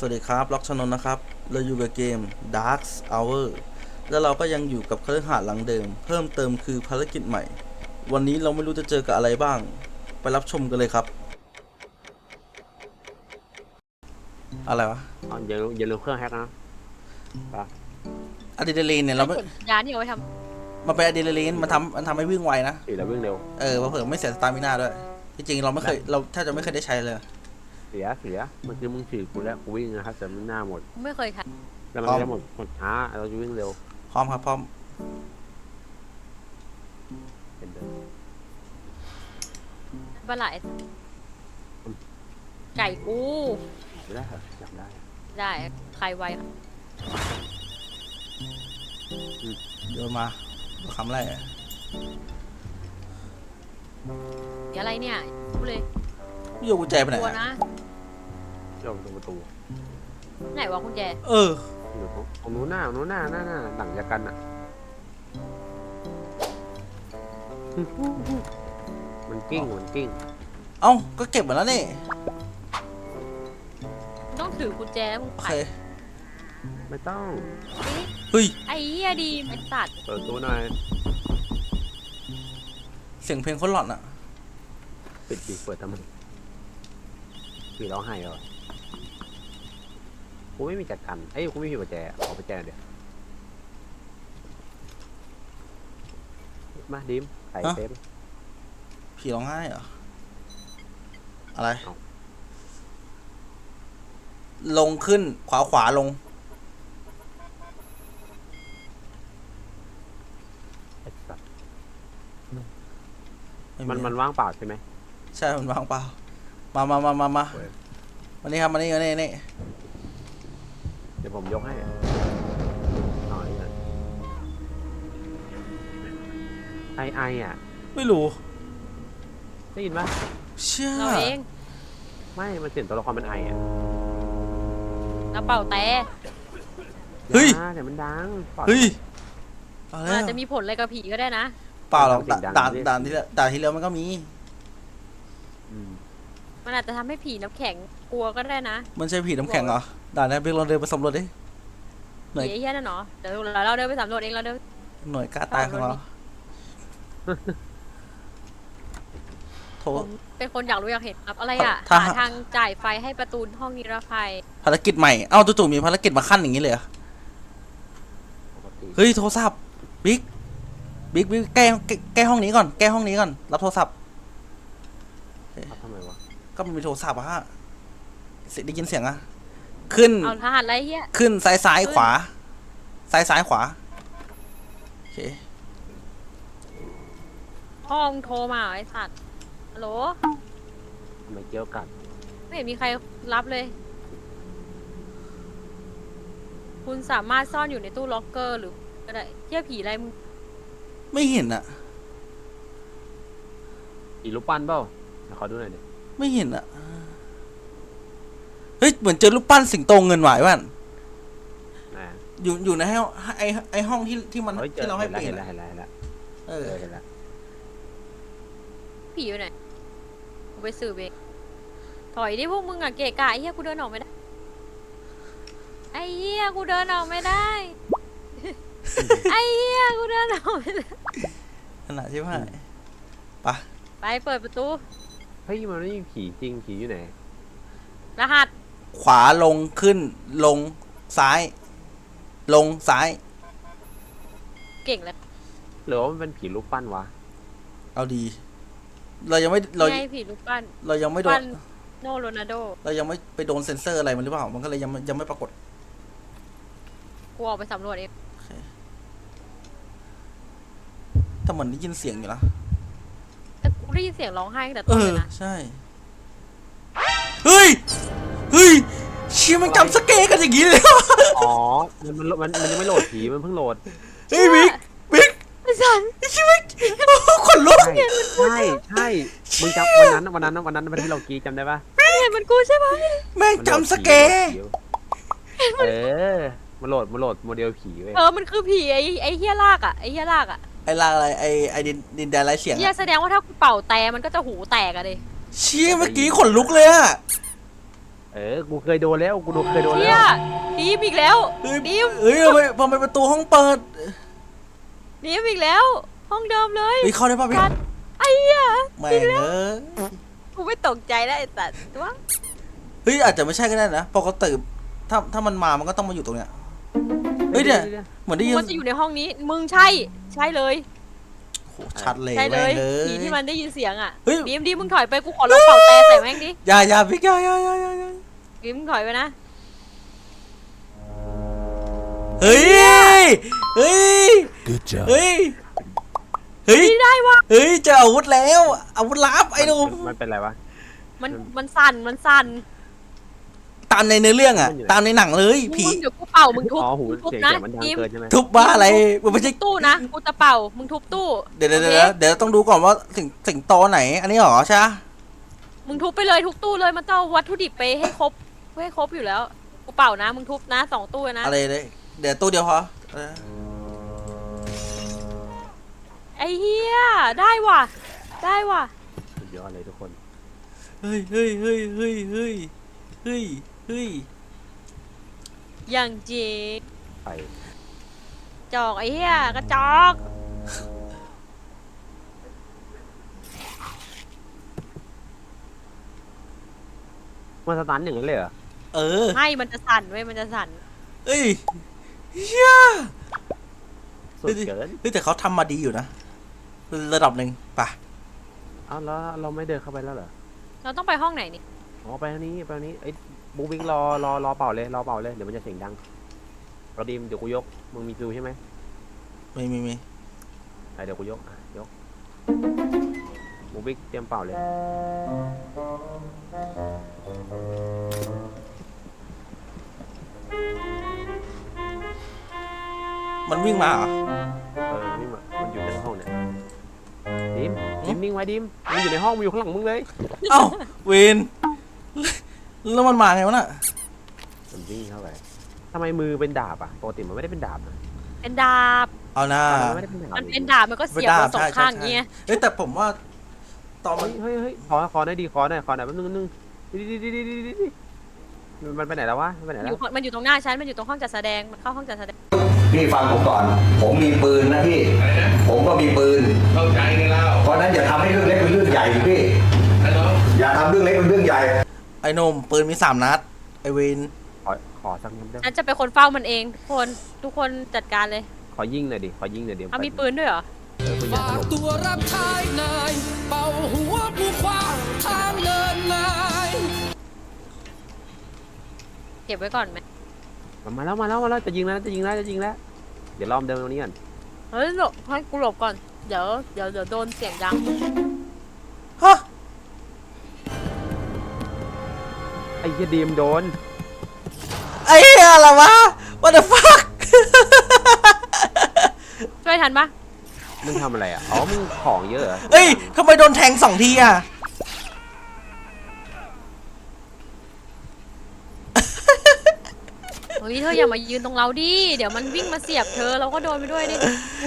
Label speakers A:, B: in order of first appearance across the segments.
A: วัสดีครับล็อกชนนนะครับเราอยู่กับเกม Dark Hour แล้วเราก็ยังอยู่กับคฤหาสน์หลังเดิมเพิ่มเติมคือภารกิจใหม่วันนี้เราไม่รู้จะเจอกับอะไรบ้างไปรับชมกันเลยครับอะไรวะ
B: อย่าลืมเครื่องแฮกนะป่ะ
A: อะดรีนาลีนเนี่ยเราไม่
C: ยาที่เอาไว้ท
A: มันเป็นอะดรีนาลีนมันทำให้วิ่งไวนะ
B: ขี่แล้ววิ่งเร็ว
A: เผื่อไม่เสียสตามิน่าด้วยที่จริงเราไม่เคยเราแทบจะไม่เคยได้ใช้เลย
B: เสียเมื่อกี้มึงขี่กูแล้วกูวิ่งนะครับแต่มันหน้าหมด
C: ำไม่เคยใช้
B: แล้วมันจะหมดช้าเราจะวิ่งเร็ว
A: พร้อมครับพร้อม
B: เห็นเดิน
C: ปลาไหลไก่กู
B: ไม่ได้เหรออยากได้
C: ได้ใครไวครับ
A: โยนมาดูคำแรก
C: เดี๋ยวอะไรเนี่ยพูดเลย
A: โยนกุญแจไปไหน
C: กลัวนะ
B: โยกตรงประตู
C: ไหนวะคุณแจ
B: อยู่ตรงนู้นหน้าหลังยากันอ่ะมันกิ้ง
A: เอ้าก็เก็บหมดแล้วนี่
C: ต้องถือกุญแจแล้วมึง
A: โอ
C: ไข
A: เค
B: ไม่ต้อง
A: เฮ้ย
C: ไอ้เหี้ยดีไอ้สัตว์
B: เปิดตู้หน่อย
A: เสียงเพลงคนหลอนอะ
B: ปิดดิเปิดทำไมผีร้องไห้เหรอกูไม่มีจัดการกูไม่มีกุญแจขอกุญแจเดี๋ยวมาดิมไข่เต็ม
A: ผีร้องไห้เหรออะไร
B: เอ้า
A: ลงขึ้นขวาลง
B: ไอ้สัตว์
A: ไ
B: มันว่างเปล่าใช่ไหม
A: ใช่มันวางเปล่ามา
B: เว้ย
A: วันนี้ครับมานี่
B: เดี๋ยวผมยกให้หน่อยนะไออ่ะ
A: ไม่รู้
B: ได้ยินปะ
A: เชื่อ
C: เราเอง
B: ไม่มันเสียงตัวละครเป็นไออ่ะ
C: เราเป่าแต่
A: เฮ้ย
B: เดี๋ยวมันดังปล่อย
A: เฮ้ยเอา
C: มัน
A: แล้ว
C: อาจจะมีผลอะไรกับผีก็ได้นะ
A: เปล่าหรอก
B: เสียงดัง
A: ด่านที่แล้วมันก็มี
B: อืม
C: มันอาจจะทำให้ผีน้ำแข็งกลัวก็ได้นะ
A: มันใช่ผีน้ำแข็งเหรอด่านนี้เบลลองเดินไปสำรวจดิหน่วย
C: ผีไอ้เหี้ยนั่นเนาะเดี๋ยวเราเดินไปสำรวจเองเราเดิน
A: หน่วยกล้าตายของเราโทร
C: ผมเป็นคนอยากรู้อยากเห็นครับอะไรอ่ะ
A: ถ้า
C: หาทางจ่ายไฟให้ประตูห้องนิรภัย
A: ภารกิจใหม่เอ้าจู่ๆมีภารกิจมาขั้นอย่างนี้เลยเหรอ
B: ปกติ
A: เฮ้ยโทรศัพท์บิ๊กแก้ห้องนี้ก่อนแก้ห้องนี้ก่อนรับโทรศัพท์
B: เอาทำไมวะ
A: ก็มันมีโทรศัพท์อะฮะได้ยินเสียงอะขึ้น
C: เอาทหารอะไรเหี้ย
A: ขึ้นซ้ายขวาซ้ายขวาโอเค
C: ห้องโทรมาเหรอไอ้สัตว์ฮัลโหล
B: ทำไมเกี่ยวกัด
C: ไม่เห็นมีใครรับเลย คุณสามารถซ่อนอยู่ในตู้ล็อกเกอร์หรือก็ได้เที่ยผีอะไรมึง
A: ไม่เห็นอะ
B: อีรูปปั้นเปล่าขอดูหน่อยดิ
A: ไม่เห็นอะเฮ้ยเหมือนเจอรูปปั้นสิงโตเงินหวายว่ะ
B: นะ
A: อยู่ในไอห้องที่มัน
B: ฮ้ย
A: ที่เราให้เปลี่ยน
B: เห็น
A: อะ
B: แล้ว
A: เออ
B: เห็นแล้ว
C: ผีอยู่ไหนกูไปสืบเองถอยดิพวกมึงอะเกะกะไอ้เหี้ยกูเดินออกไม่ได้ไอ้เหี้ยกูเดินออกไม่ได้ ไอ้เหี้ยกูเดินออกไม่ได้
A: ขนาดใช่ไหมปะ
C: ไปเปิดประตู
B: เฮ้ยมันไม่มีผีจริงผีอยู่ไหน
C: รหัส
A: ขวาลงขึ้นลงซ้าย ลงซ้าย
C: เก่งเลย
B: หรือว่ามันเป็นผีรูปปั้นวะ
A: เอาดี เรายังไม่เรา
C: ไงผีรูปปั้น
A: เรายังไม่โด
C: ปั้
A: น
C: นโนโรนัลโด
A: เรายังไม่ไปโดนเซ็นเซอร์อะไรมันหรือเปล่ามันก็เลยยังไม่ปรากฏ
C: กูออกไปสำรวจเอง
A: แต่เหมือนได้ยินเสียงอยู่นะ
C: แต่กูได้ยินเสียงร้องไห้ตั้งแต่ต้นเลยนะ
A: ใช่เฮ้ยเชี่ยมันจำสเกกันอย่างนี้เลย
B: อ๋อมันยังไม่โหลดผีมันเพิ่งโหลด
A: เฮ้ยบิ๊ก
C: ไอ้สัน
A: ใช่ไหมขนลุก
B: ใช่มึงจำวันนั้นที่เรากรีดจำได้ปะ
C: เห็นมันกูใช่ไหม
A: แม่งจำสเก
B: มันโหลดโมเดลผีเว้ย
C: มันคือผีไอ้เหี้ยลากอะไอ้เหี้ยลากอะ
A: ไอ้ลาอะไรไอ้ดินแดนไรเสียง
C: เหี้ยแสดงว่าถ้ากูเป่าแต่มันก็จะหูแตกอะดิ
A: เชี่ยเมื่อกี้ขนลุกเลยอะ
B: กูเคยโดนแล้วกูเคยโดน
C: เฮี
B: แล้
C: ยว ดีมอีกแล้ว
A: เฮ้ย
C: ดิม
A: เฮ้ยทำไมประตูห้องเปิด
C: ดีมอีกแล้ว ห้องเดิมเลย
A: เฮ้ยเข้าได้ป่ะพี่
C: สัตว์ไอ้เหี้ย
A: แม่ง
C: กูไม่ตกใจแล้วไอ้สัตว์วะ
A: เฮ้ยอาจจะไม่ใช่ก็ได้นะปกติถ้ามันมามันก็ต้องมาอยู่ตรงเนี้ยเฮ้ยเนี่ยเหมือนได้ยิน
C: มันจะอยู่ในห้องนี้มึงใช่เลย
A: โหชัดเลย
C: ใช่เลย
A: แม่ง
C: ผีที่มันได้ยินเสียงอ่ะ
A: เฮ้ย
C: ดีมมึงถอยไปกูขอลองเป่าแต่ใส่แม่งดิ
A: อย่าพี่อย่า
C: ดีมมึงถอยไปนะ
A: เฮ้ยเฮ้ย
D: Good job.
A: เฮ้ยเฮ้ย
C: ไม่ได้วะ
A: เฮ้ยเจออาวุธแล้วอาวุธลับไอ้หนุ่ม
B: มันเป็นไรวะ
C: มันสั่น
A: ตามในเนื้อเรื่องอะ
B: มันอยู่ไหน
A: ตามในหนังเลยผี
C: มึงเดี๋ยวกูเป่ามึงทุบ
B: อ๋อหู
C: ทุบ
B: เสียง
C: นะ
B: มันดัง
C: ดีม
B: เกินใช่ไหม
A: ทุบบ้าอะไรมันไม่ใช่
C: ตู้นะกูจะเป่ามึงทุบตู้
A: เดี๋ยว
C: โอค
A: เดี๋ยวต้องดูก่อนว่าสิงโตไหน อันนี้เหรอใช่ปะ
C: มึงทุบไปเลยทุกตู้เลยมันต้องเอาวัตถุดิบไปให้ครบอยู่แล้วกูเป่านะมึงทุบนะ2 ตู้นะ
A: อะไรเลยเดี๋ยวตู้เดียวพอ
C: ไอ้เหี้ยได้ว่ะ
B: สุดยอดเลยทุกคน
A: เฮ้ย
C: อย่างจี
B: ไป
C: จอกไอ้เหี้ยกระจอก
B: มันสตันอย่างนั้นเลยเหรอ
A: เออ
C: ไม่มันจะสั่นเว้ยมันจะสั่น
A: เฮ้ยเฮีย
B: สุดเกิน
A: เฮ้ยแต่เขาทำมาดีอยู่นะระดับหนึ่งป่ะ
B: เอ้าแล้วเราไม่เดินเข้าไปแล้วเหรอ
C: เราต้องไปห้องไหนนี่
B: อ๋อไปทางนี้ไอ้บูวิ่งรอเป่าเลยเดี๋ยวมันจะเสียงดังเราดีมเดี๋ยวกูยกมึงมีฟิวใช่ไหม
A: มี
B: เดี๋ยวกูยกยกบูวิ่งเตรียมเป่าเลย
A: มันวิ่งมาเหรอ
B: นี่มันอยู่ในห้องเนี่ยดิมนิ่งไว้ดิมมันอยู่ในห้องมันอยู่ข้างหลังมึงเลย
A: เอ้าเวนแล้วมันมาไงวะน่ะ
B: มันวิ่งเข้าไปทำไมมือเป็นดาบอ่ะปกติมันไม่ได้เป็นดาบนะ
C: เป็นดาบ
A: เอาหน้า
B: มันไม่ได้เป็นดาบ
C: มันเป็นดาบมันก็เสียบเราสองข้างอย่างเงี้ย
A: เฮ้ยแต่ผมว่าตอนมัน
B: เฮ้ยขอหน่อยขอหน่อยแป๊บนึงดิมันไปไหนแล้ววะมันไปไหน
C: มัน
B: แล้
C: อยู่
B: ว
C: มันอยู่ตรงหน้าฉันมันอยู่ตรงห้องจัดแสดงมันเข้าห้องจัดแสดง
E: พี่ฟังผมก่อน ผมมีปืนนะพี่ ผมก็มีปืน
D: เข้าใจกันแล้ว
E: เพราะฉะนั้นอย่าทำให้เรื่องเล็กเป็นเรื่องใหญ่พี่
D: ฮัลโหล
E: อย่าทำเรื่องเล็กเป็นเรื่องใหญ่
A: ไอ้หนมปืนมี3 นัดไอ้เวน
B: ขอสักนิดได้
C: ฉันจะเป็นคนเฝ้ามันเองทุกคนจัดการเลย
B: ขอยิงหน่อยดิเดี๋ยว
C: เอามีปืนด้วยเหรอ
B: ปืนใหญ่
F: ฝากตัวรับใช้นายเป่าหัวผู้ขวางทางเดินนาย
C: เก็บไว้ก่อนไหม
B: มาแล้วจะยิงแล้วเดี๋ยวล้อมเดินตรงนี้ก่อน
C: เฮ้ยหลบให้กูหลบก่อนเดี๋ยวโดนเสียงดัง
A: ฮะ
B: ไอ้เหี้ยดีมโดน
A: ไอ้เหี้ยอะไรวะ what the fuck
C: ช่วยทันปะ
B: มึงทำอะไรอ่ะอ๋อมึงของเยอะเหรอ
A: เอ้ยทำไมโดนแทง2 ทีอ่ะ
C: เฮ้ยเธออย่ามายืนตรงเราดิเดี๋ยวมันวิ่งมาเสียบเธอเราก็โดนไปด้วยดิ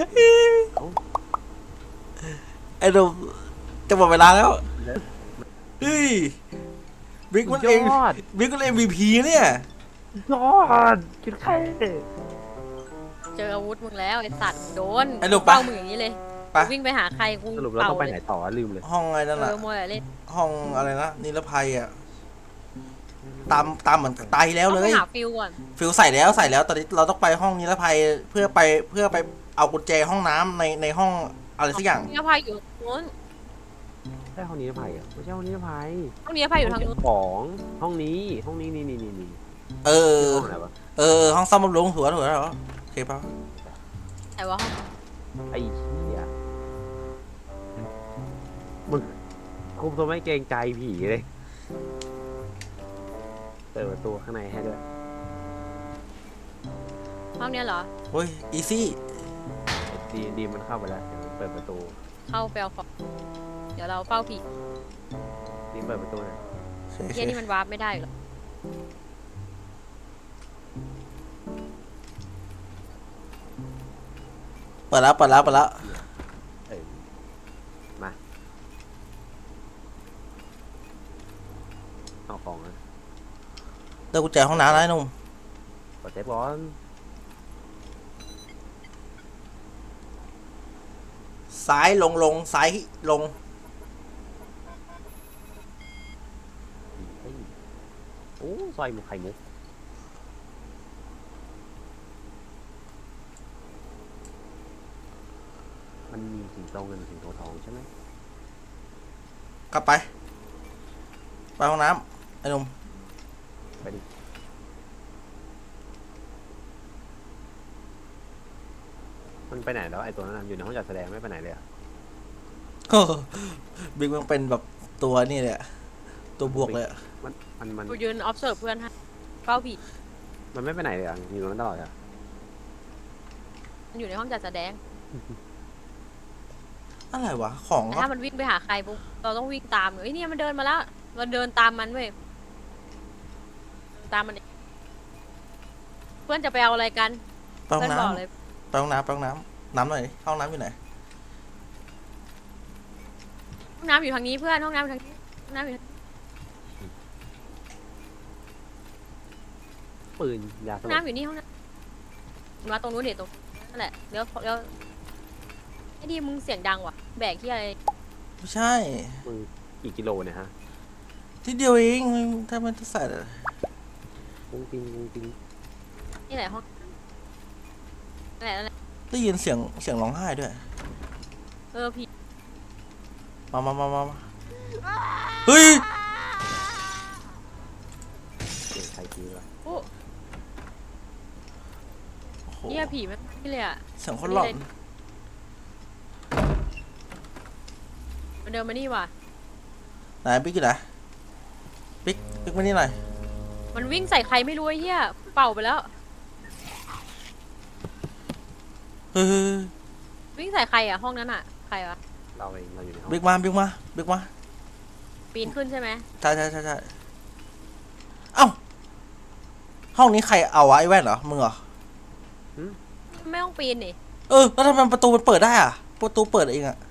A: ไอ้หนมจะหมดเวลาแล้วเฮ้ยบิ๊กมันเอง
B: ยอด
A: บิ๊กมัน MVP เนี่ย
B: ยอดคิดใคร
C: เจออาวุธมึงแล้วไอ้สัตว์โดน
A: ไอ้ลูกปะ
C: เป้ามึงอย่างนี้เลย
A: ไป
C: วิ่งไปหาใครกู
B: สรุปเรา
C: เป่า
B: ต้องไป
C: เล
B: ไหน
C: ย
B: ต่อลืมเลย
A: ห้องอะไรนั่นน่ะ
C: มวยอะไรเล่น
A: ห้องอะไรนะนิรภัยอ่ะตามเหมือนตายแล้ว
C: ต้
A: เล
C: องไป
A: ย
C: หาฟิลก่อน
A: ฟิลใส่แล้วตอนนี้เราต้องไปห้องนิรภัยเพื่อไปเอากุญแจห้องน้ำในห้องอะไรสักอย่าง
C: นิรภัยอยู่ทางนู้น
B: ใช่ห้องนี้ภัยอ่ะไม่ใช่ห้องนี้ภัย
C: ห้องนิรภัยอยู่ทางนู้น
B: ของห้องนี้นี่
A: เออ
B: ห้องไหนวะ
A: ห้องซ่อมบำรุงถูกแล้วเหรอโอเคป่ะ
C: แต่ว่าห้อง
B: ไอ้เหี้ยมึงคุมตัวไม่เกรงใจผีเลยเปิดประตูข้างในให้ด้วย
C: ห้องเนี้ยเหรอ
A: โอ้ยอีซี่
B: ดีมันเข้าไปแล้วเปิดประตู
C: เข้าไปเอาของเดี๋ยวเราเฝ้าผี
B: ดีเปิดประตูหน่อย
C: เที่ยนี่มันวาร์ปไม่ได้หรอก
A: เปิดแล้ว
B: เออมาเอาของนะ
A: อกุญแจห้องน้ำนะไอ้หนุ่ม
B: กดเซฟก่อน
A: ซ้ายลงซ้ายลง
B: เฮ้ยโอ้ซอยหมูไข่มุกมันมีสิงโตเงินสิงโตทองใช่ไหม
A: กลับไปห้องน้ำไอ้หนุ่ม
B: ไปดิมันไปไหนแล้วไอ้ตัวนั้นน่ะอยู่ในห้องจัดแสดงไม่ไปไหนเลยอะ
A: บิ๊กมันเป็นแบบตัวนี่เลยอะตัวบวกเลยอะ
B: มัน
C: กูยืน observe เพื่อนให้เฝ้าผี
B: มันไม่ไปไหนเลยอะอยู่ตรงนั้นตลอดอะ
C: มันอยู่ในห้องจัดแสดง
A: อะไรวะของ
C: แต่ถ้ามันวิ่งไปหาใครปุ๊บเราต้องวิ่งตามเลยเนี่ยมันเดินมาแล้วเราเดินตามมันเว้ยตามมันเองเพื่อนจะไปเอาอะไรกัน
A: ไปห้อ
C: เพื่อน
A: ง
C: บอก
A: น้ำ
C: เลย
A: ไปห้องน้ำน้ำหน่อยดิห้องน้ำอยู่ไหน
C: ห้องน้ำอยู่ทางนี้เพื่อนห้องน้ำอยู่ทางนี้ห้องน้ำอยู่ทาง
B: ปืนยาส
C: ห้อง
B: ลบ
C: น้ำอยู่นี่ห้องน้ำมาตรงนู้นเดี๋ยวตรงนั่นแหละเดี๋ยวไอ้ดีมึงเสียงดังว่ะแบกที่อะไร
A: ไม่ใช่
B: มือกี่กิโลเนี่ยฮะ
A: ที่เดียวเองถ้ามันจะใส่อะไร
B: ปุ้งปิงปุ้งปิง
C: นี่แหละห้องนั่นแหละ
A: ได้ยินเสียงร้องไห้ด้วย
C: ผี
A: มาเฮ้ย
B: เสียงใครทีวะ
C: โอ้
A: โอ้โห
C: เนี่ยผีมันนี่เลยอ่ะ
A: เสียงคนหลอน
C: มันเดินมานี่ว่ะ
A: ไหนบิ๊กอยู่ไหนบิ๊กมานี่หน่อย
C: มันวิ่งใส่ใครไม่รู้ไอ้เหี้ยเป่าไปแล้ว
A: เฮ้ย
C: วิ่งใส่ใครอ่ะห้องนั้นอ่ะใครวะ
B: เราเองเราอยู่ในห้อง
A: บิ๊กมา
C: ปีนขึ้นใช่ไหม
A: ใช่เอ้าห้องนี้ใครเอาวะไอ้แว่นเหรอมึงเหรอ
C: ไม่ต้องปีนนี่
A: แล้วทำไมประตูมันเปิดได้อะประตูเปิดเองอะ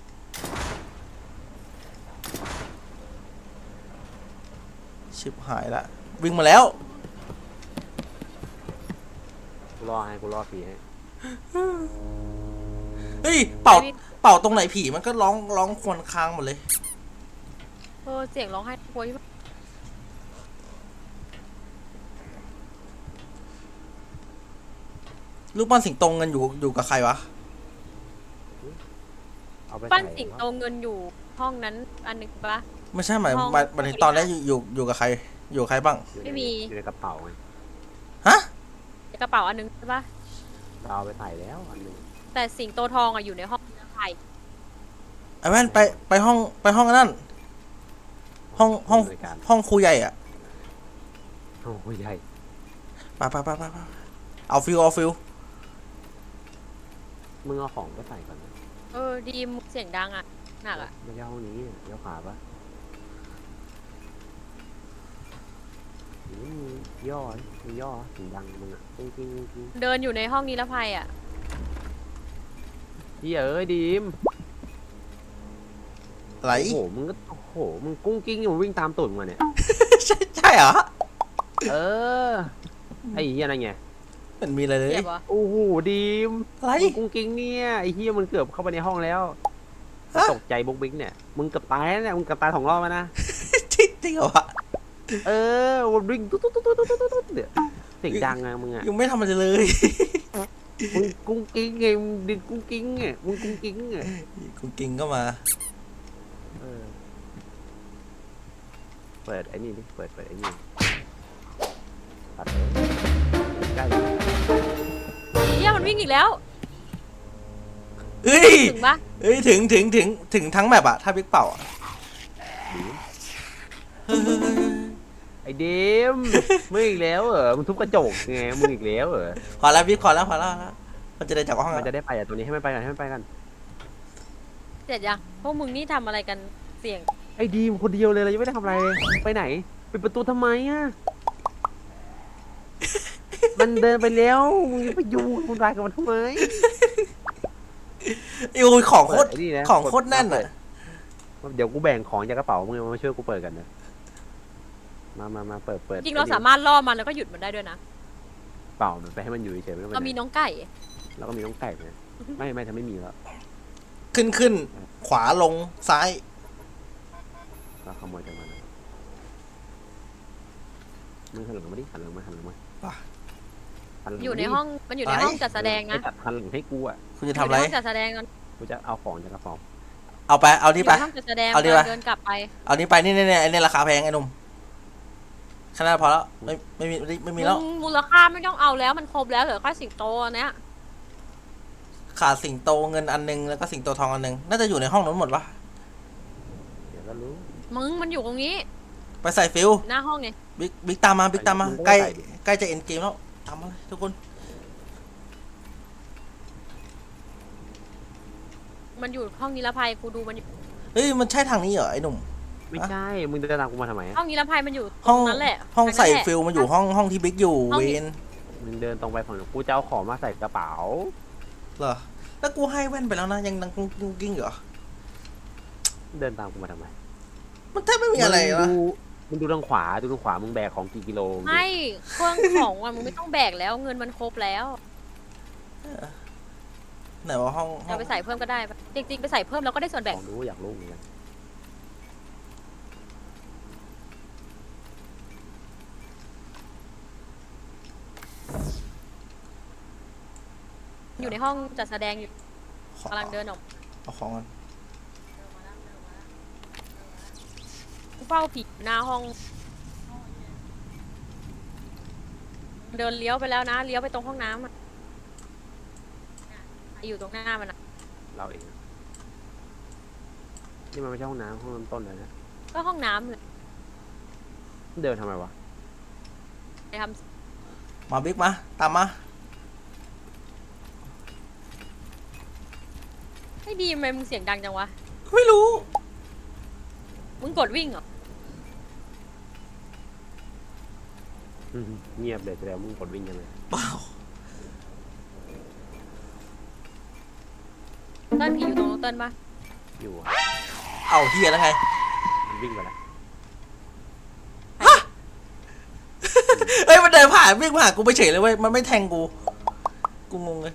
A: ชิบหายละวิ่งมาแล้ว
B: กูรอผีให้
A: เฮ้ยเป่าตรงไหนผีมันก็ร้องครวญครางหมดเลย
C: เสียงร้องไห้กลัวที่
A: ลูกปั้นสิงโตเงินอยู่กับใครวะ
B: เอาไป
C: ปั้น
B: ใส่
C: สิงโตเงินอยู่ห้องนั้นอันหนึงปะ
A: ไม่ใช่หมาย
C: ห้อง
A: หมายถึงตอนแรกอยู่กับใครอยู่กับใครบ้าง
B: อยู่ใน
C: ไม่มี
B: อยู่ในกระเป๋าไง
A: ฮะ
C: กระเป๋าอันหนึงใช่ปะ
B: เราเอาไปใส่แล้วอันหนึง
C: แต่สิงโตทองอ่ะอยู่ในห้องไข่
A: ไอ้แว่นไปห้องนั่นห้องครูใหญ่อะ
B: โอ้โหใหญ่
A: ไปเอาฟิล
B: มึงเอาของไปใส่ก่อนนะ
C: ดีมเสียงดังอ่ะหนักอ่ะ
B: ไม่ใช่ห้องนี้เดี๋ยวขาปะย่อมึงย่อเสียงดังมึงอะจริง
C: เดินอยู่ในห้องนิรภัยอ่ะ
B: เฮ้ยเอ้ยดีม
A: อะไร
B: โอ้โหมึงก็โอ้โหมึงกุ้งกิ้งอยู่วิ่งตามตูดมึงมาเนี่ย
A: ใช่เหรอ
B: เออไอ้เหี้ยนั่นไง
A: มันมีอะไรเลย
C: เจ็บเหรอ
B: โอ้โหดีม
A: อะไร
B: มึงกุ้งกิ้งเนี่ยไอ้เหี้ยมันเกือบเข้าไปในห้องแล้ว
A: ฮะ
B: ตกใจบุ๊กบิ๊กเนี่ยมึงเกือบตายแล้วเนี่ยมึงเกือบตาย2 รอบแล้วนะ
A: จริงเหรอวะ
B: เออมันวิ่งตุ๊ดเนี่ยเสียงดังอะมึงอะ
A: ยังไม่ทำอะไรเลย
B: มึงกุ้งกิ้งไงมึงดินกุ้งกิ้งไงมึงกุ้งกิ้งไง
A: คุณกิงก็มา
B: เออเปิดไอ้นี่ดิเปิดไอ้นี่ตัดเลยใกล้
C: เหี้ยมันวิ่งอีกแล้ว
A: เอ้ย
C: ถึงปะ
A: เอ้ยถึงทั้งแมปอะถ้าบิ๊กเป่าอะเฮ้ย
B: ไอ้เดมมึงอีกแล้วเหรอมึงทุบกระจกไงมึงอีกแล้วเหรอ
A: พอแล้วบิ๊กพอแล้วมันจะได้จากห้อง
B: มัน
A: อะ
B: จะได้ไปอ่ะตัวนี้ให้มันไปกัน
C: เสร็จยังพวกมึงนี่ทำอะไรกันเสียง
B: ไอ้ดีมคนเดียวเลยเรายังไม่ได้ทำอะไรเลยไปไหนปิดประตูทำไมอ่ะ มันเดินไปแล้วมึงจะไปยุ่งคุณรายกับมันทำไม
A: โอ้ยของโคตร
B: เปิดไอ้นี่นะ
A: ของโคตรแน่นอะ
B: เดี๋ยวกูแบ่งของจากกระเป๋ามึงมาช่วยกูเปิดกันนะมาเปิด
C: จริงเราสามารถล่อมันแล้วก็หยุดมันได้ด้วยนะ
B: เปล่ามันไปให้มันอยู่เฉยๆไม่ต้องไป
C: เรา
B: ไหน
C: มีน้องไก่
B: แล้วก็มีน้องไก่เนี่ยไม่ถ้าไม่มีแล้ว
A: ขึ้นขวาลงซ้าย
B: เราขโมยจากมันมึงหันหลังมาดิหันหลังมา
A: ป่ะ
B: หันหลัง
C: อยู่ในห้องมันอยู่ในห้องจัดแสดงนะ
B: ไอ้ตัดหันหลังให้กูอ่ะ
A: คุณ
C: อ
A: จะ
C: ยู่
A: ทำอะ
C: ใน
A: ไร
C: ห้องจัดแสดงกัน
B: กูจะเอาของจากกระสอบ
A: เอาไปเอา
C: อ
A: นี่
C: ยู่
A: ไป
C: ในห้องจัดแสดง
A: เอาดีป่ะ
C: เดินกลับไป
A: เอานี่ไปนี่ไอ้นี่ราคาแพงไอ้หนุ่มขนาดพอแล้วไม่มีแล้ว
C: มูลค่าไม่ต้องเอาแล้วมันครบแล้วเหลือแค่สิงโตอันเนี้ย
A: ขาดสิงโตเงินอันนึงแล้วก็สิงโตทองอันนึงน่าจะอยู่ในห้องนั้นหมดปะ
B: เดี๋ยวก็รู้
C: มึงมันอยู่ตรงนี้
A: ไปใส่ฟิล
C: หน้าห้องไง
A: บิ๊กตามมาใกล้จะเอ็นเกมแล้วตามมาเลยทุกคน
C: มันอยู่ห้องนิรภัยกูดูมันอยู่
A: เฮ้ยมันใช่ทางนี้เหรอไอ้หนุ่ม
B: ไม่ใช่มึงจะตามกูมาทำไม
C: ห้องนิรภัยมันอยู่ต
A: ห้
C: ร
A: อง
C: งนั้นแหละ
A: ห้องใส่
C: ทางนั้นแหละ
A: ฟิลมันอยู่ห้องที่บิ๊กอยู่
C: ห้อง
A: เว
C: นี้
A: น
B: มึงเดินตรงไปฝั่งกูจะเอาของมาใส่กระเป๋า
A: เหรอแล้วกูให้แว่นไปแล้วนะยังดังกิ้งเหรอ
B: เดินตามกูมาทำไม
A: มันแทบไม่มีอะไรวะ
B: มึงดูทางขวามึงแบกของกี่กิโล
C: ไม่เครื่องของมันมึงไม่ต้องแบกแล้วเงินมันครบแล้ว
A: ไหนว่าห้อง
C: จะไปใส่เพิ่มก็ได้ปะจริงๆไปใส่เพิ่มแล้วก็ได้ส่วน
B: ข
C: แบ่ง
B: องดูอยากรู้เหมือนกัน
C: อยู่ในห้องจัดแสดงอยู่
A: ขอก
C: ำลังเดินออก
A: เอาของกัน
C: เฝ้าผีหน้าห้อง เดินเลี้ยวไปแล้วนะเลี้ยวไปตรงห้องน้ำอะอยู่ตรงหน้ามันอะ
B: เราเองนี่มันไม่ใช่ห้องน้ำห้องน้ำต้นเลยนะ
C: ก็ห้องน้ำเลย
B: เดินทำไมวะ
C: ไปท
A: มาบิ๊กมาตามมา
C: ำไม่ดีทำไมมึงเสียงดังจังวะ
A: ไม่รู้
C: มึงกดวิ่งเหรอ
B: เงียบเลยแสดงมึงกดวิ่งยังไง
A: เปล่า
C: เต้นผีอยู่ตรงนู้นเต้นปะ
B: อยู่อะ
A: เอาเฮียแล้วไง
B: มันวิ่งไปแล้ว
A: เฮ้ยมันเดินผ่านวิ่งผ่านกูไปเฉยเลยเว้ยมันไม่แทงกูงงเลย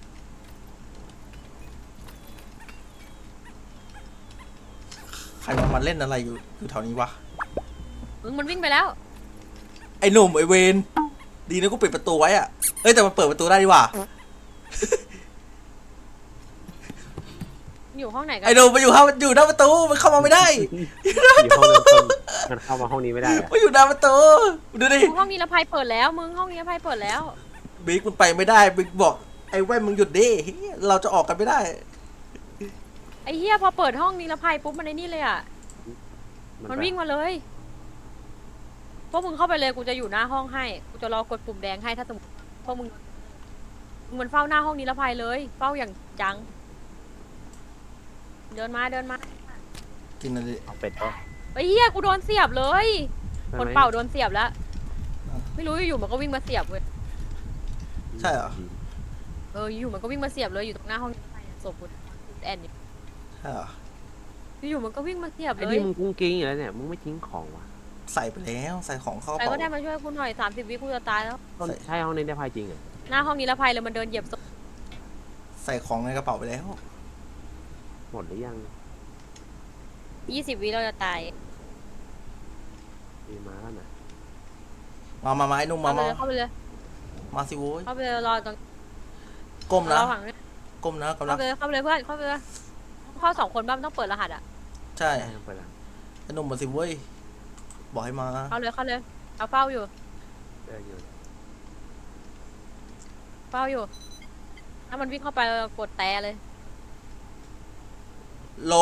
A: ใครมาเล่นอะไรอยู่แถวนี้วะ
C: มึงมันวิ่งไปแล้ว
A: ไอ้หนุ่มไอ้เวนดีนะกูปิดประตูไว้อะเอ้ยแต่มันเปิดประตูได้ดีว่ะ
C: อยู่ห้องไหนกัน
A: ไอ้หนุ่มมันอยู่หน้าประตูมันเข้ามาไม่ได้
B: อยู่ห้องเริ่มต้นมันเข้ามาห้องนี้ไม่ได้อะ
A: มันอยู่หน้าประตูดูดิ
C: ห้องนิรภัยเปิดแล้ว มึงห้องนิรภัยเปิดแล้ว
A: บิ๊กมันไปไม่ได้บิ๊กบอกไอ้แว่นมึงหยุดดิเฮ้ยเราจะออกกันไม่ได้
C: ไอ้เฮียพอเปิดห้องนิรภัยปุ๊บมันไอ้นี่เลยอ่ะ มันวิ่งมาเลยพวกมึงเข้าไปเลยกูจะอยู่หน้าห้องให้ กูจะรอกดปุ่มแดงให้ถ้าสมมติพวกมึงมันเฝ้าหน้าห้องนิรภัยเลย เฝ้าอย่างจัง เดินมา
A: กินอะไร
B: เอาเป็ดก็
C: ไอ้เฮียกูโดนเสียบเลยคนเป่าโดนเสียบแล้ว ไม่รู้อยู่ๆมันก็วิ่งมาเสียบเว้ย
A: ใช่เหรอ
C: อยู่มันก็วิ่งมาเสียบเลยอยู่ตรงหน้าห้องศพกูแอนอยู่
A: ใช่เหรอ
C: อยู่มันก็วิ่งมาเสียบ
B: ไอ้
C: เล
B: นี่
C: ย
B: มึงกุ้งกิ้งอยู่แล้วเนี่ยมึงไม่ทิ้งของวะ
A: ใส่ไปแล้วใส่ของเข้าก
C: ใคร
A: ระ
C: ก็
A: เป๋า
C: ได้มาช่วยกูหน่อย30 วิกูจะตายแล้ว
B: ต้นใช่ห้องนี้ได้พายจริงอ่ะ
C: หน้าห้องนิรภัยเลยมันเดินเหยียบศพ
A: ใส่ของในกระเป๋าไปแล้ว
B: หมดหรือยัง
C: 20 วิเราจะตาย
B: มีมาแล้วนะ
A: มาไอ้หนุ่ม
C: เข้าไปเลย
A: มาสิโว้ย
C: เข้าไปเลยรอตรง
A: ก้มนะ
C: รอฝั่งนี้
A: ก้มนะกำลั
C: เข้าง ไปเลยเพื่อนเข้าไปเลยเข้า2 คนบ้างมันต้องเปิดรหัสอ่ะ
A: ใช่
B: ได้ไปแล้ว
A: ไอ้หนุ่มมาสิโว้ยบอกให้มา
C: เข้าเลยเอาเฝ้าอยู่
B: เดินอยู่
C: ถ้ามันวิ่งเข้าไปเรากดแต่เลย
A: ล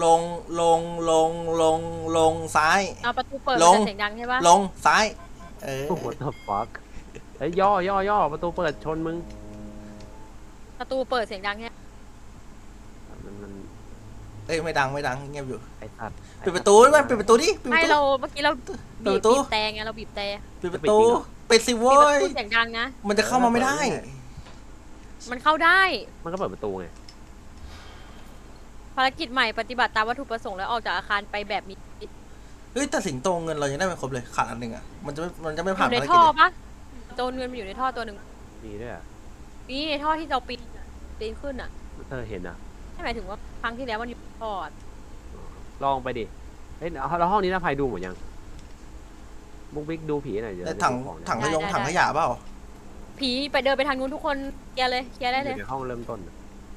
A: งซ้าย
C: เอาประตูเปิด
A: ล
C: มัน
A: ง
C: จะเสียงดังใช่ปะ
A: ลงซ้ายเออ
B: โอ้โห what the fuck เฮ้ยย่อประตูเปิดชนมึง
C: ประตูเปิดเสียงดังใช่ไหม
B: มัน
A: เอ้ยไม่ดังเงียบอยู่
B: ไอ้สัตว์
A: ปิดประตูด้วยมันปิดประตูดิปิดป
C: ไม่
A: ระตู
C: เราเมื่อกี้เรา
A: เปิด
C: บี
A: ประตู
C: บแต่ไงเราบีบแต่
A: ปิดประตูปิดสิ
C: บี
A: โว้
C: บประ
A: ย
C: ตูเสียงดังนะ
A: มันจะเข้ามาไม่ได้
C: มันเข้าได้
B: มันก็เปิดประตูไง
C: ภารกิจใหม่ปฏิบัติตามวัตถุประสงค์แล้วออกจากอาคารไปแบบมี
A: เฮ้ยฮ้ยแต่สิงโตเงินเรายังได้ไม่ครบเลยขาดอันหนึ่งอ่ะมันจะไม่
C: อ
A: ผ่าน
C: ยู่ใน
A: ภารกิ
C: ท่
A: จ
C: อ
A: เลย
C: ปะโดนเงินมันอยู่ในท่อตัวหนึ่ง
B: มีด้วยอ่ะ
C: นี่ในท่อที่เราปีนขึ้นอ่ะ
B: เห็นอ่ะ
C: ไม่หมายถึงว่าครั้งที่แล้วมันอยู่ในท่ออะ
B: ลองไปดิเฮ้ยแล้วห้องนี้นะภัยดูหมดยังบุ๊กบิ๊กดูผีหน่อยเดี๋ยว
A: แต่
B: จะ
A: ถัง
B: ดูของนะ
A: ถังถังขยะเปล่า
C: ผีไปเดินไปทางนู้นทุกคนเคลียร์เลยเคลียร์ได้
B: อ
C: เลย
B: ยู่ในห้องเริ่มต้นอะ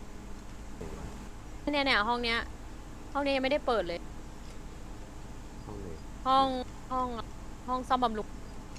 C: เนี่ยห้องเนี้ยยังไม่ได้เปิดเลย
B: ห้องนี้
C: ห้องซ่อมบำรุง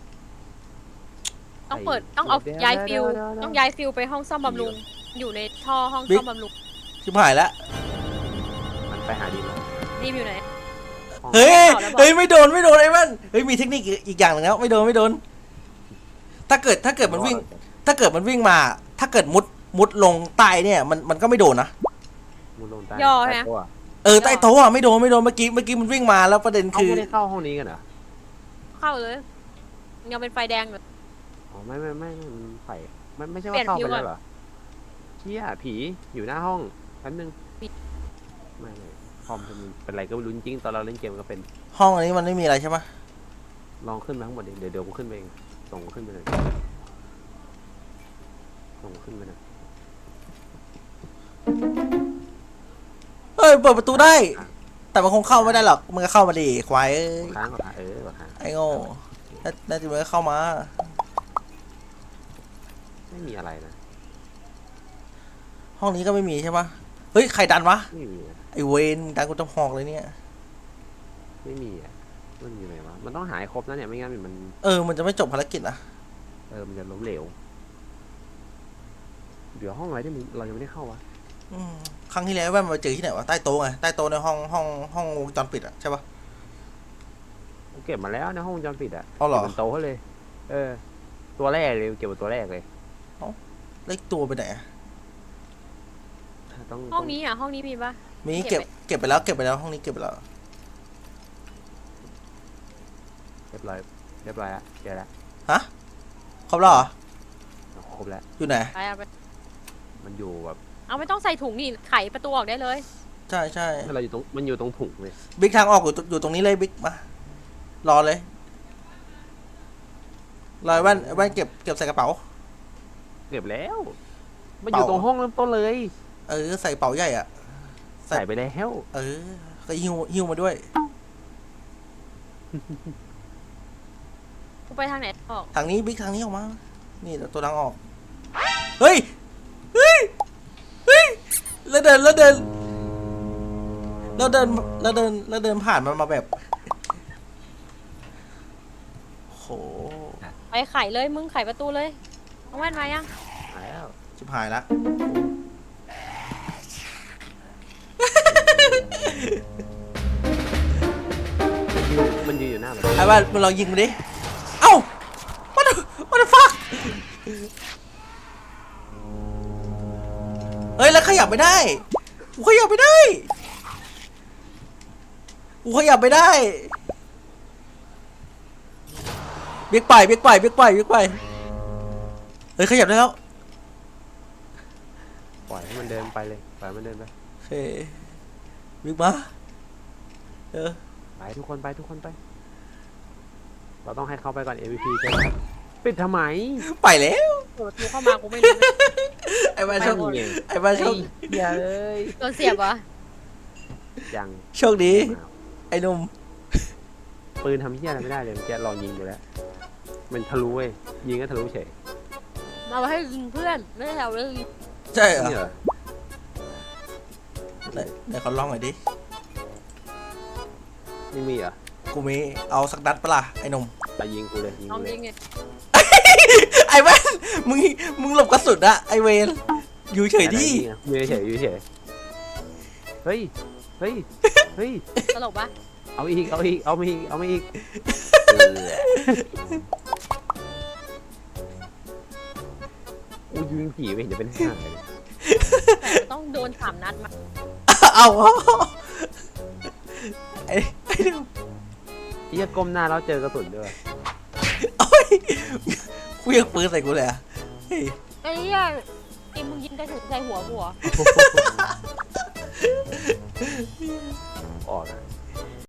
C: ต้องเปิดต้องเอาย้ายฟิวต้องย้ายฟิวไปห้องซ่อมบำรุงอยู่ในท่อห้องซ่อมบำรุง
A: ชิบหายแล้ว
B: มันไปหาดีมั้ย
C: รีบอยู่ไหน
B: ห้อง
A: เฮ้ย
C: ต่อแล้วบอก
A: เฮ้ยไม่โดนไอ้มันเฮ้ยมีเทคนิคอีกอย่างหนึงแล้วไม่โดนถ้าเกิดมันวิ่ง ถ้าเกิดมันวิ่งมาถ้าเกิดมุดลงใต้เนี่ยมันก็ไม่โดนนะ
B: มุดลงใต้
C: ย่อ
B: ใต้
C: ฮะ
B: โต๊ะอะ
A: ใต้โต๊ะอ่ะไม่โดนเมื่อกี้มันวิ่งมาแล้วประเด็น
B: เขา
A: คือ
B: ไม่ได้เข้าห้องนี้กันเหรอ
C: เข้าเลยยังเป็นไฟแดงอยู่
B: อ๋อไม่มันไฟมันไม่ใช่
C: เปลี่
B: ว่าย
C: น
B: เข้า
C: ฟิว
B: ไป
C: ก่อน
B: แล้วเหรอเชี่ยผีอยู่หน้าห้องแป๊บนึงไม่คอมมันเป็นไรก็ไม่รู้จริงๆตอนเราเล่นเกมก็เป็น
A: ห้องอันนี้มันไม่มีอะไรใช่ปะ
B: ลองขึ้นมาข้างบนดิเดี๋ยวกูขึ้นไปเองส่งขึ้นไปเลยส่งขึ้นไปเลย
A: เอ้ยเปิดประตูได้ แต่มันคงเข้าไม่ได้หรอกมึงก็เข้ามาดิควายเอ้ย
B: ค้างก่อนค้าง
A: ไอ้โง่น่าจะมึงก็เข้ามา
B: ไม่มีอะไรนะ
A: ห้องนี้ก็ไม่มีใช่ปะเฮ้ยใครดันวะ
B: ไม่มีอะ
A: ไอเวนดันกูต้องหอกเลยเนี่ย
B: ไม่มีอ่ะมันอยู่ไหนวะมันต้องหายครบนะเนี่ยไม่งั้นมัน
A: มันจะไม่จบภารกิจนะ
B: มันจะล้มเหลวเดี๋ยวห้องอะไรที่เรายังไม่ได้เข้าวะ
A: ครั้งที่แล้วแว่นมาเจอที่ไหนวะใต้โต๊ะไงใต้โต๊ะในห้องวงจรปิดอะใช่ปะ
B: กูเก็บมาแล้วนะห้องวงจรปิดอ่ะ
A: เอาเหรอ
B: ก็บนโต๊ะเลย ตัวแรกเลยเก็บบนตัวแรกเลย
A: เล็กตัวไปไหนอะ
B: ต้อง
C: ห้องนี้ห้องนี้มีปะ
A: มี
C: เก็
A: เก็
C: บ
A: บ
C: ไป
A: เก็บไปแล้วห้องนี้เก็บไปแล้ว
B: เรียบร้อยละเจอแล้ว
A: ฮะครบแล้วเหรอ
B: ครบแล้ว
A: อยู่ไหน
C: ไปเอาไป
B: มันอยู่แบบ
C: เอาไม่ต้องใส่ถุงนี่ไขประตูออกได้เลย
A: ใช่ใช่
B: เราอยู่ตรงมันอยู่ตรงถุงเลย
A: บิ๊กทางออกอยู่ตรงนี้เลยบิ๊กมารอเลยรอแว่นเก็บใส่กระเป๋า
B: เก็บแล้ว มันอยู่ตรงห้องเริ่มต้นเลย
A: ใส่กระเป๋าใหญ่อะ ใส่
B: ใส่ไปแล้ว
A: ก็หิ้วมาด้วย
C: กูไปทางไหนออก
A: ทางนี้บิ๊กทางนี้ออกมา นี่ตัวทางออก เฮ้ยแล้วเดินผ่านมันมาแบบโห
C: ไปไขเลยมึงไขประตูเลยเอาแว่นมายัง
B: หายแล้ว
A: ชิบหายละ
B: มันยืนอยู่หน้ามัน
A: ไอ้บ้านมึงลองยิงมันดิ เอ้า what the fuck เฮ้ยแล้วขยับไม่ได้กูขยับไม่ได้บิ๊กไปเฮ้ยขยับได้แล้ว
B: ปล่อยให้มันเดินไปเลยปล่อยให้มันเดินไป
A: โอเคบิ๊กมา
B: ไปทุกคนไปเราต้องให้เขาไปก่อน MVP ใช่ไหมปิดทำไม
A: ไปแล้ว
C: เปิดประตูเข้ามากูไม่รู้นะ
A: ไอ้บ้านโชค
B: ไม่มี
A: ไอ้บ้านโชค
B: อย่าเลย
C: โดนเสียบวะ
B: ยัง
A: โชคดีไอ้หนุ่ม
B: ปืนทำเหี้ยอะไรไม่ได้เลยเมื่อกี้ลองยิงดูแล้วมันทะลุเว้ยยิงก็ทะลุเฉย
C: มาไว้ให้ยิงเพื่อนไม่ได้เอาเรื่องยิง
A: ใช่เหรอ
B: นี่เหรอ
A: ไหนเขาลองหน่อยดิ
B: ไม่มีเหรอ
A: กูมีเอาสักนัดปะล่ะไอ้หนุ่ม
B: แต่ยิงกูเลย
C: น้องยิงไง
A: ไอ้แว่นมึงหลบกระสุนอะไอเวนอยู่เฉยดิ
B: อยู่เฉยเฮ้ย
C: ตลกปะ
B: เอาอีกอู้ยิงผีไปเห็นจะเป็นห่าเลย
C: แต่ต้องโดน3 นัดมา
A: เอาไอ้หนุ่ม
B: ที่จะก้มหน้าแล้วเจอกระสุนด้วย
A: โอ้ยเครื่องปืนใส่กูเลยอะเฮ้ย
C: ไอ้เหี้ยไอ้มึงยิงกระสุนใส่หัวกูเหรอ
B: ออกนะ